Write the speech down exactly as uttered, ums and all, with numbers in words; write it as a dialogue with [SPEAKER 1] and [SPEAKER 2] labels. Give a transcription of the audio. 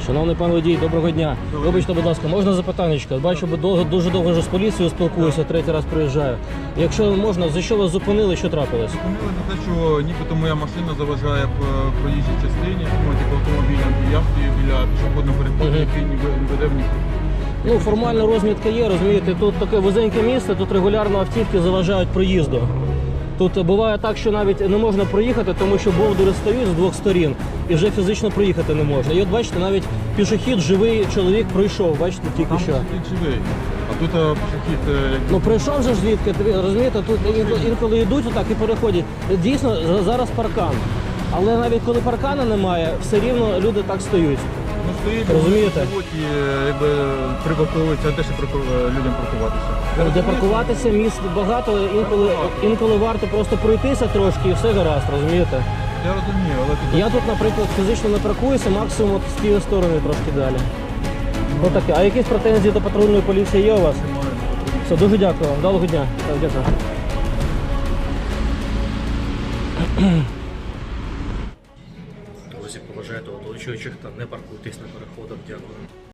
[SPEAKER 1] Шановний пан водій, доброго дня. Вибачте, будь ласка, можна запитаннячко? Бачу, бо довго, дуже довго вже з поліцією спілкуюся, третій раз приїжджаю. Якщо можна, за що вас зупинили, що трапилось?
[SPEAKER 2] Зупинили за те, що нібито моя машина заважає в проїжджій частині, ну, типу автомобільному явці біля пішохідного переходу,
[SPEAKER 1] Мгм.
[SPEAKER 2] який не ви- не веде в нікуди.
[SPEAKER 1] Ну, формальна розмітка є, розумієте, тут таке вузеньке місце, тут регулярно автівки заважають проїзду. Тут буває так, що навіть не можна проїхати, тому що бовдури стають з двох сторін і вже фізично проїхати не можна. І от бачите, навіть пішохід, живий чоловік пройшов, бачите, тільки
[SPEAKER 2] Там
[SPEAKER 1] що.
[SPEAKER 2] пішохід живий, а тут а, пішохід е, як
[SPEAKER 1] Ну прийшов же ж звідки, ти розумієте, тут інколи, інколи йдуть отак і переходять. Дійсно, за- зараз паркан. Але навіть коли паркана немає, все рівно люди так стають.
[SPEAKER 2] ну, стоїть,
[SPEAKER 1] Розумієте?
[SPEAKER 2] живуть і е, якби припарковуються, де ще парку- е, людям паркуватися.
[SPEAKER 1] Де паркуватися, місць багато, інколи, інколи варто просто пройтися трошки і все гаразд, розумієте?
[SPEAKER 2] Я розумію, але тут
[SPEAKER 1] Я тут, наприклад, фізично не паркуюся, максимум от з тієї сторони трошки далі. Отаке. А якісь претензії до патрульної поліції є у вас?
[SPEAKER 2] немає.
[SPEAKER 1] Все, дуже дякую вам. Вдалого дня. Так, дякую.
[SPEAKER 3] Друзі, поважайте оточуючих та не паркуйтесь на переходах. Дякую.